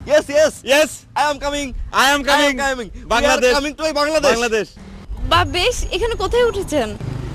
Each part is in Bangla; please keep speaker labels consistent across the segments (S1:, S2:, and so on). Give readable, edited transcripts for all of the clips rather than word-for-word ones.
S1: Yes, yes.
S2: Yes,
S1: I am coming.
S2: I am coming.
S1: Bangladesh.
S2: Bangladesh.
S1: We are coming to Bangladesh.
S2: Bangladesh.
S3: বা বেশ, এখানে কোথায় উঠেছেন?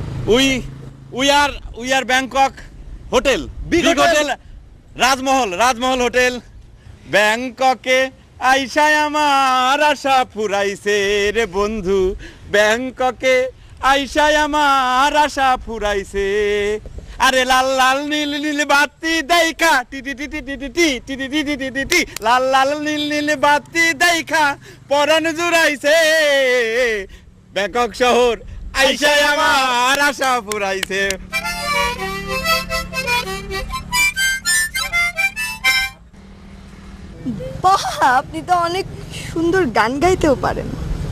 S2: We are Bangkok hotel.
S1: Big hotel.
S2: Rajmahal hotel. ব্যাংককে আইসায় আমার আশা ফুরাইছে রে বন্ধু, ব্যাংককে আইসায় আমার আশা ফুরাইছে। আরে লাল লাল নীল নীল বাতি দেখা টি টি টি টি টি টি টি টি টি টি টি টি টি লাল লাল নীল নীল বাতি দেখা পরাণ জুড়াইছে। ব্যাংকক শহর আইসায় আমার আশা ফুরাইছে।
S4: বাহ, আপনি তো অনেক সুন্দর গান গাইতেও পারেন।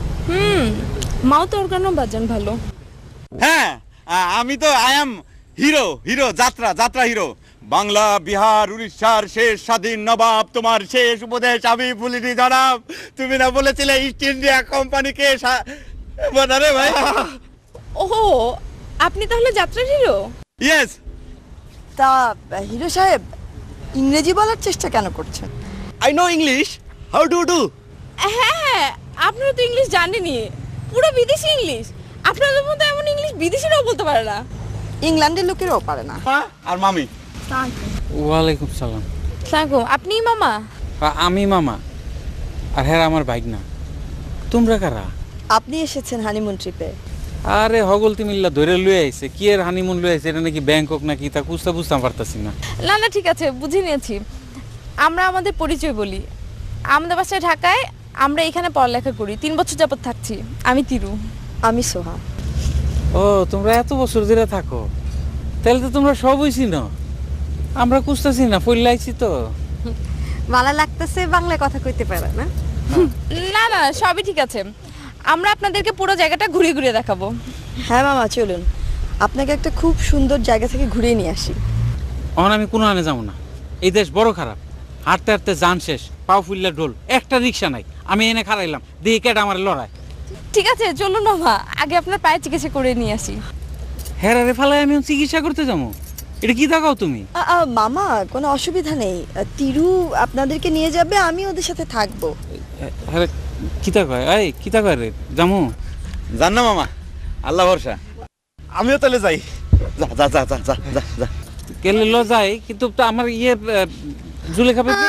S3: মাও তো অর্গানও বাজান ভালো।
S2: হ্যাঁ, আমি তো আই এম হিরো যাত্রা হিরো। বাংলা বিহার উড়িষ্যার শেষ স্বাধীন নবাব, তোমার শেষ উপদেশ আমি ভুলিনি জনাব। তুমি না বলেছিলে ইস্ট ইন্ডিয়া কোম্পানিকে রে ভাই।
S3: ওহো, আপনি তাহলে যাত্রার হিরো?
S2: ইয়েস।
S4: তা হিরো সাহেব, ইংরেজি বলার চেষ্টা কেন করছেন?
S1: I know English. How do you do?
S3: হ্যাঁ, আপনারা তো ইংলিশ জানেনই, পুরো বিদেশি ইংলিশ। আপনাদের মতো এমন ইংলিশ বিদেশিরাও বলতে পারে না।
S4: ইংল্যান্ডের লোকেরাও পারে না।
S2: আর মামি?
S5: ওয়ালাইকুম সালাম।
S3: সালাম। আপনি মামা?
S5: আমি মামা, আর হ্যাঁ আমার বাইক না। তোমরা কারা?
S4: আপনি এসেছেন হানিমুন ট্রিপে।
S5: আরে হগলতি মিল্লা ধরে লুয়ে আইছে। কি এর হানিমুন লুয়ে আইছে? এটা নাকি ব্যাংকক নাকি তা বুঝতে পারতাছি না।
S3: না ঠিক আছে, বুঝে নিয়েছি। আমরা আমাদের পরিচয় বলি। আমাদের বাসায় ঢাকায়, আমরা এখানে পড়ালেখা করি, 3 বছর যাবত থাকছি। আমি তিরু।
S4: আমি সোহা।
S5: ও, তোমরা এত বছর ধরে থাকো, তাহলে তো তোমরা সবই চিনো। আমরা কুস্তাছি না, পড়লাইছি তো।
S4: ভালো লাগতেছে বাংলায় কথা কইতে পারে না?
S3: না সবই ঠিক আছে। আমরা আপনাদেরকে পুরো জায়গাটা ঘুরিয়ে দেখাবো।
S4: হ্যাঁ মামা, চলুন আপনাকে একটা খুব সুন্দর জায়গা থেকে ঘুরিয়ে নিয়ে আসি।
S5: এখন আমি কোনো আনে যাবো না। এই দেশ বড় খারাপ। হাঁটতে হাঁটতে যান শেষ, পাও ফুললা ঢোল, একটা রিক্সা নাই। আমি এনে খারাইলাম, দিয়ে কেটে আমার লড়াই।
S3: ঠিক আছে চলুন মামা, আগে আপনার পায়ে চিকিৎসা করে নিয়ে আসি।
S5: হ্যাঁ রে ফালাই, আমি চিকিৎসা করতে যাবো? এটা কি দেখাও তুমি?
S4: মামা, কোনো অসুবিধা নেই। তিরু আপনাদেরকে নিয়ে যাবে, আমি ওদের সাথে থাকবো।
S5: হ্যাঁ, কিতা কয়? এই কিতা কয় রে জামু?
S2: জান না মামা, আল্লাহ ভরসা।
S1: আমিও তাহলে যাই। যা যা যা যা যা যা যা।
S5: গেলে ল যাই, কিন্তু তো আমার জুলেখা পেপি।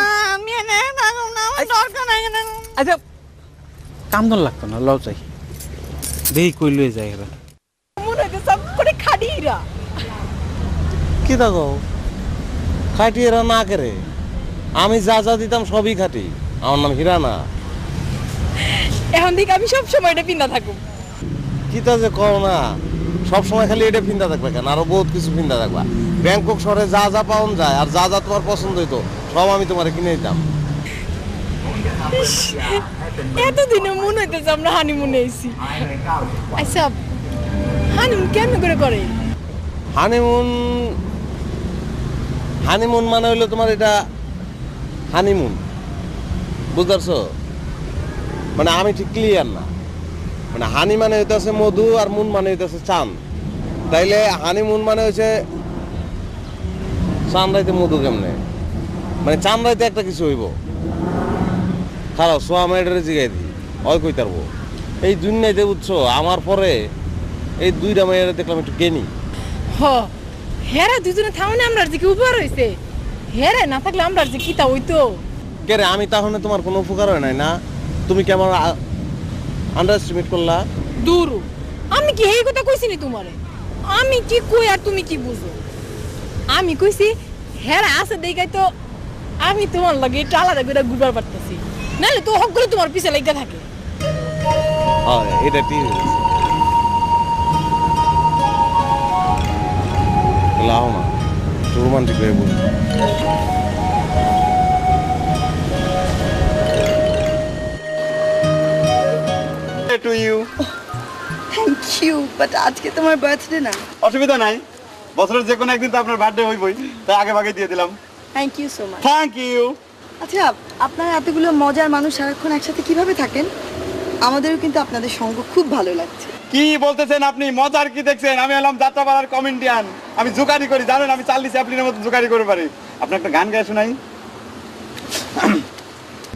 S5: আচ্ছা, কান্দন লাগতো না, ল যাই। দেখি কই লয়ে যায় এরা।
S4: মনে হচ্ছে সব করে খাড়িরা।
S6: কি দেখো খাটি এরা না করে, আমি যা দিতাম সবই খাটি। আমার নাম হীরা না।
S3: এখন থেকে আমি সব সময় এটা পিন্দা থাকবো।
S6: কি তা যে কও না, সব সময় খালি এটা ফিন্দা থাকবে কেন? আরো বহুত কিছু ফিন্দা থাকবা। ব্যাংকক শহরে যা পাওয়া যায় আর যা তোমার পছন্দ হইতো সব আমি তোমার কিনে দিতাম।
S3: এতদিনে মনে হইতেছে আমরা হানিমুনে এসেছি। আচ্ছা, হানিমুন কেমন করে?
S6: হানিমুন মানে হইলো তোমার এটা হানিমুন, বুঝতে পারছো? মানে আমি ঠিক ক্লিয়ার না। মানে হানি মানে হইতেছে মধু, আর মুন মানে হইতেছে চাঁদ। তাইলে হানিমুন মানে হচ্ছে চাঁদ রাইতে মধু কেমনে? মানে চাঁদ রাইতে একটা কিছু হইব। খারাপ সোয়া মেয়েটারে জিগাই দিই, ওই কই তারবো। এই দুনিয়াতে বুঝছো, আমার পরে এই দুইটা মেয়েরা দেখলাম একটু জ্ঞানী।
S7: হেরা দুজনে থামনে আমরা যে কি উপকার হইছে, হেরে না থাকলে আমরা যে কিতা হইতো।
S6: কে রে, আমি তাহলে তোমার কোনো উপকার হয় নাই না? তুমি কি আমার আন্ডার এস্টিমেট করলা?
S7: দূর, আমি কি এই কথা কইছি নি তোমারে? আমি কি কই আর তুমি কি বুঝো? আমি কইছি হেরা আছে দেখাই তো আমি তোমার লাগে এটা আলাদা করে ঘুরবার পারতেছি, নাহলে তো হক করে তোমার পিছে লাগা থাকে।
S6: হ্যাঁ, এটা ঠিক আছে। লাও না, রোমান্টিক হয়ে বল।
S2: To you.
S4: Thank you, but আজকে তোমার বার্থডে না।
S2: অসুবিধা নাই, বছরের যে কোনো একদিন তো আপনার বার্থডে হইবই, তাই আগে ভাগে দিয়ে দিলাম।
S4: Thank you so much.
S2: Thank you.
S4: আচ্ছা, আপনারা এতগুলো মজার মানুষ সারাক্ষণ একসাথে কিভাবে থাকেন? আমাদেরও কিন্তু আপনাদের সঙ্গ খুব ভালো লাগছে।
S2: কি বলতেছেন আপনি? মজার কি দেখছেন? আমি হলাম যাত্রাপাড়ার কমেডিয়ান, আমি জোকারি করি, জানেন? আমি চার্লি চ্যাপলিনের মতো জোকারি করে পারি। আপনি একটা গান গায়ে শোনাই।